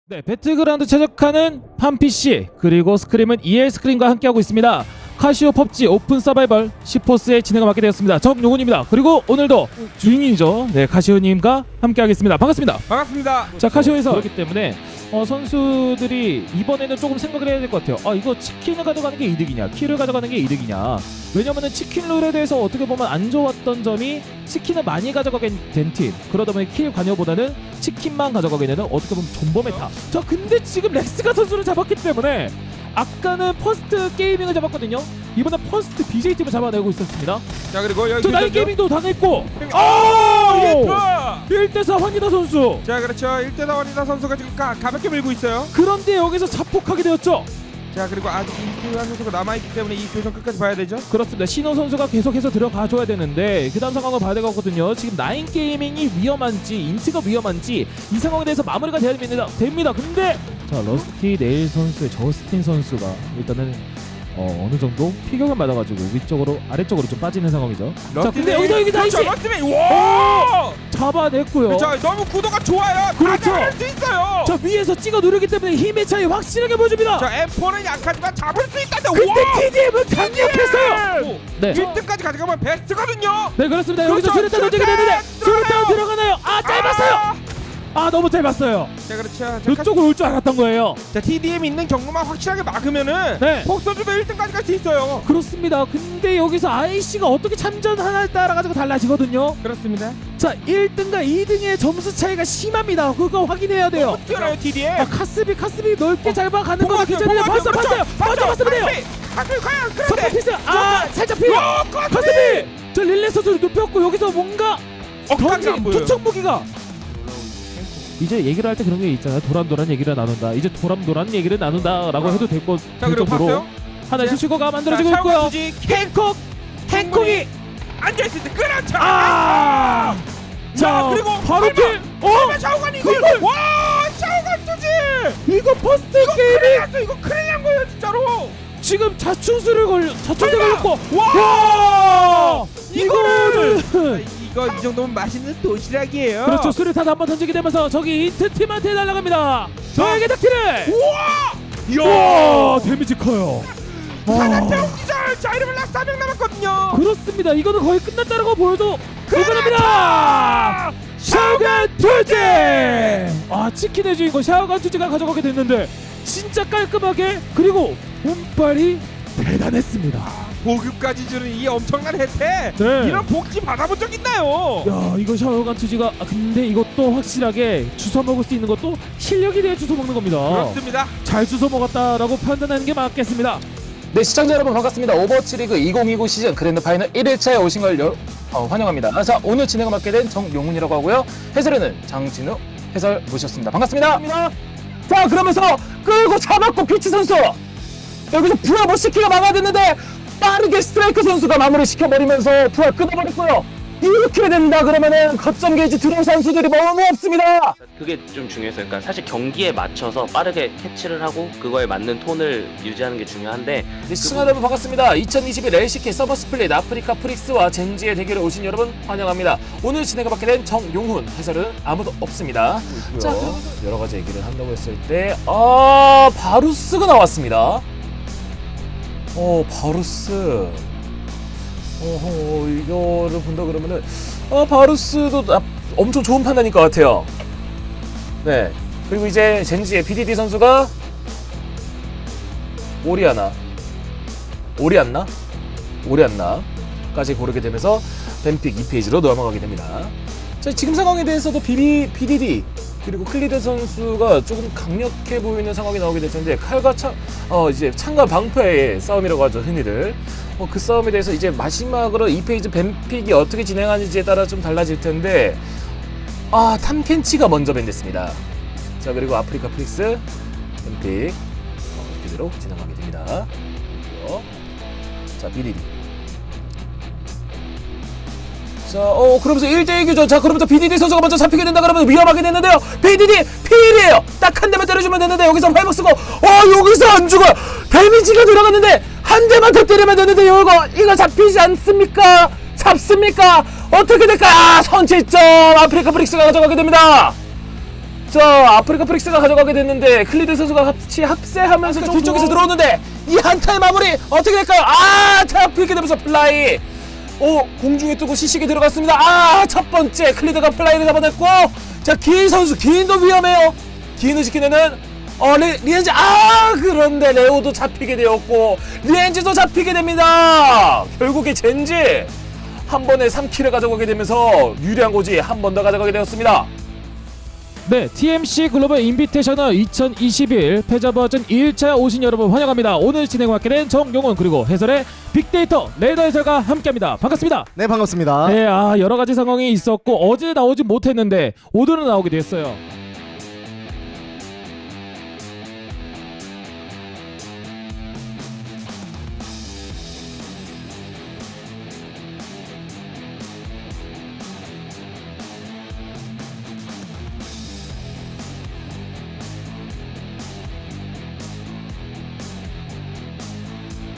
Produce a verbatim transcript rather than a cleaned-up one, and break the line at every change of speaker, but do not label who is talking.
네, 배틀그라운드 최적화는 판피씨 그리고 스크림은 이엘 스크림과 함께하고 있습니다. 카시오 펍지 오픈 서바이벌 시포스의 진행을 맡게 되었습니다. 정용훈입니다. 그리고 오늘도 주인이죠. 네, 카시오님과 함께하겠습니다. 반갑습니다.
반갑습니다.
자, 카시오에서 그렇기 때문에 어, 선수들이 이번에는 조금 생각을 해야 될 것 같아요. 아, 이거 치킨을 가져가는 게 이득이냐, 킬을 가져가는 게 이득이냐. 왜냐면은 치킨 룰에 대해서 어떻게 보면 안 좋았던 점이 치킨을 많이 가져가게 된 팀, 그러다 보니 킬 관여보다는 치킨만 가져가게 되는 어떻게 보면 존버 메타. 자, 근데 지금 렉스가 선수를 잡았기 때문에 아까는 퍼스트 게이밍을 잡았거든요. 이번엔 퍼스트 비제이팀을 잡아내고 있었습니다.
자, 그리고 여기
저 나인 게이밍도 당했고,
아!
일 대 사 환희다 선수.
자, 그렇죠. 일 대 사 원이다 선수가 지금 가, 가볍게 밀고 있어요.
그런데 여기서 자폭하게 되었죠.
자, 그리고 아직 이규환 선수가 남아있기 때문에 이 교전 끝까지 봐야 되죠.
그렇습니다. 신호 선수가 계속해서 들어가줘야 되는데 그 다음 상황을 봐야 되거든요. 지금 나인 게이밍이 위험한지 인트가 위험한지 이 상황에 대해서 마무리가 돼야 됩니다. 됩니다. 근데 자, 러스티 네일 선수의 저스틴 선수가 일단은 어, 어느 정도 피격을 맞아가지고 위쪽으로 아래쪽으로 좀 빠지는 상황이죠. 자, 근데 여기서 여기 나이시
러스티메이 와!
잡아냈고요.
그렇죠. 너무 구도가 좋아요.
그렇죠.
다 수 있어요.
자, 위에서 찍어 누르기 때문에 힘의 차이 확실하게 보여줍니다.
자, 엠포는 약하지만 잡을 수 있다는데
근데
와!
티디엠은 강력했어요. 네.
일 등까지 가져가면 베스트거든요.
네, 그렇습니다. 여기서
그렇죠.
수류탄 던지게 되는데
들어가요.
수류탄 들어가나요? 아, 짧았어요. 아, 너무 짧았어요.
자, 그렇죠. 자,
이쪽으로 올 줄 알았던 거예요.
자, 티디엠 있는 경로만 확실하게 막으면은
네.
폭선주도 일 등까지 갈 수 있어요.
그렇습니다. 근데 여기서 아이씨가 어떻게 참전하냐에 따라 가지고 달라지거든요.
그렇습니다.
자, 일 등과 이 등의 점수 차이가 심합니다. 그거 확인해야 돼요.
어떻게 알아요, 티디엠?
아, 카스비 카스비 넓게 잘 봐가는
보고
거
왔어요,
괜찮은데
보고
봤어
왔어요.
봤어요.
그렇죠.
먼저 봤으면 돼요.
가슴 과연
선발
그런데
피스. 아, 살짝 피해.
야, 카스비!
카스비. 저 릴레 선수를 눕혔고 여기서 뭔가
억까지 안
던진
보여요.
투척 무기가. 이제 얘기를 할 때 그런 게 있잖아요. 도란도란 얘기를 나눈다. 이제 도란도란 얘기를 나눈다라고
아.
해도 될 것
자,
될
그리고
정도로
봤어요?
하나의
자,
수식어가 만들어지고
자,
있고요.
샤워 수지
행콕 행콕이
앉아있을 때 그렇죠.
아! 자,
야, 그리고
바로
설마,
킬. 어?
설마 샤오관이 이걸
이걸!
와, 샤오관 투지.
이거 퍼스트
이거 큰일
게임이
났어. 이거 큰일 난 거예요, 진짜로.
지금 자충수를 걸려 자충수
설마!
걸렸고
와!
이거를
이거 이 정도면 맛있는 도시락이에요.
그렇죠. 수류탄 한번 던지게 되면서 저기 이트 팀한테 날아갑니다. 저에게 닿기를.
우와!
와, 데미지 커요.
하나태웅 기절. 자, 이러면 락 사 명 남았거든요.
그렇습니다. 이거는 거의 끝났다라고 보여도 불가능합니다. 샤오간 투지. 아, 치킨의 주인공 샤오간 투지가 가져가게 됐는데 진짜 깔끔하게, 그리고 운빨이 대단했습니다.
보급까지 주는 이 엄청난 혜택.
네.
이런 복지 받아본 적 있나요?
야, 이거 샤오간 투지가 아, 근데 이것도 확실하게 주워 먹을 수 있는 것도 실력이 돼야 주워 먹는 겁니다.
그렇습니다.
잘 주워 먹었다라고 판단하는 게 맞겠습니다.
네, 시청자 여러분 반갑습니다. 오버워치 리그 이천이십구 시즌 그랜드 파이널 일 일차에 오신 걸 여, 어, 환영합니다. 자, 오늘 진행을 맡게 된 정용훈이라고 하고요. 해설에는 장진우 해설 모셨습니다. 반갑습니다. 자, 그러면서 끌고 잡았고 피치 선수 여기서 부하 버시키가 막아냈는데 빠르게 스트라이크 선수가 마무리 시켜버리면서 부하 끊어버렸고요. 이렇게 된다 그러면은 거점 게이지 들어온 선수들이 너무 없습니다.
그게 좀 중요했어요. 그러니까 사실 경기에 맞춰서 빠르게 캐치를 하고 그거에 맞는 톤을 유지하는 게 중요한데
네, 시청자 여러분 반갑습니다. 이천이십일 엘시케이 서버 스플릿 아프리카 프릭스와 젠지의 대결에 오신 여러분 환영합니다. 오늘 진행을 맡게 된 정용훈 해설은 아무도 없습니다. 자, 그러면서 여러 가지 얘기를 한다고 했을 때, 아, 바루스가 나왔습니다. 어, 바루스. 어허, 이거를 본다 그러면은, 아, 바루스도 나, 엄청 좋은 판단일 것 같아요. 네. 그리고 이제 젠지의 비디디 선수가 오리아나 오리안나? 오리안나까지 고르게 되면서 뱀픽 이 페이지로 넘어가게 됩니다. 자, 지금 상황에 대해서도 비비, 비디디 그리고 클리드 선수가 조금 강력해 보이는 상황이 나오게 될 텐데, 칼과 창, 어, 이제 창과 방패의 싸움이라고 하죠, 흔히들. 어, 그 싸움에 대해서 이제 마지막으로 이 페이지 뱀픽이 어떻게 진행하는지에 따라 좀 달라질 텐데, 아, 탐켄치가 먼저 밴됐습니다. 자, 그리고 아프리카 프릭스 뱀픽 어, 그대로 진행하게 됩니다. 그리고 자, 비디디. 자, 어, 그러면서 일 대일 교전. 자, 그러면서 비디디 선수가 먼저 잡히게 된다 그러면 위험하게 됐는데요. 비디디 피일이에요. 딱 한 대만 때려주면 되는데 여기서 회복 쓰고, 어, 여기서 안 죽어요. 데미지가 들어갔는데 한 대만 더 때리면 되는데 이거 이거 잡히지 않습니까? 잡습니까? 어떻게 될까? 아, 선취점 아프리카 프릭스가 가져가게 됩니다. 자, 아프리카 프릭스가 가져가게 됐는데 클리드 선수가 같이 합세하면서
아까
뒤쪽에서
주고.
들어오는데 이 한타의 마무리 어떻게 될까요? 아, 잡히게 되면서 플라이. 오, 공중에 뜨고 시식이 들어갔습니다. 아, 첫 번째 클리드가 플라이를 잡아냈고, 자, 기인 선수, 기인도 위험해요. 기인을 지키는 어, 리, 리엔지. 아, 그런데 레오도 잡히게 되었고 리엔지도 잡히게 됩니다. 결국에 젠지 한 번에 삼 킬을 가져가게 되면서 유리한 고지 한 번 더 가져가게 되었습니다.
네, 티엠씨 글로벌 인비테이셔널 이천이십일 패자 버전 일 차 오신 여러분 환영합니다. 오늘 진행 맡게 된 정용훈 그리고 해설의 빅데이터 레이더 해설과 함께합니다. 반갑습니다.
네 반갑습니다.
네, 아 여러 가지 상황이 있었고 어제 나오지 못했는데 오늘은 나오게 됐어요.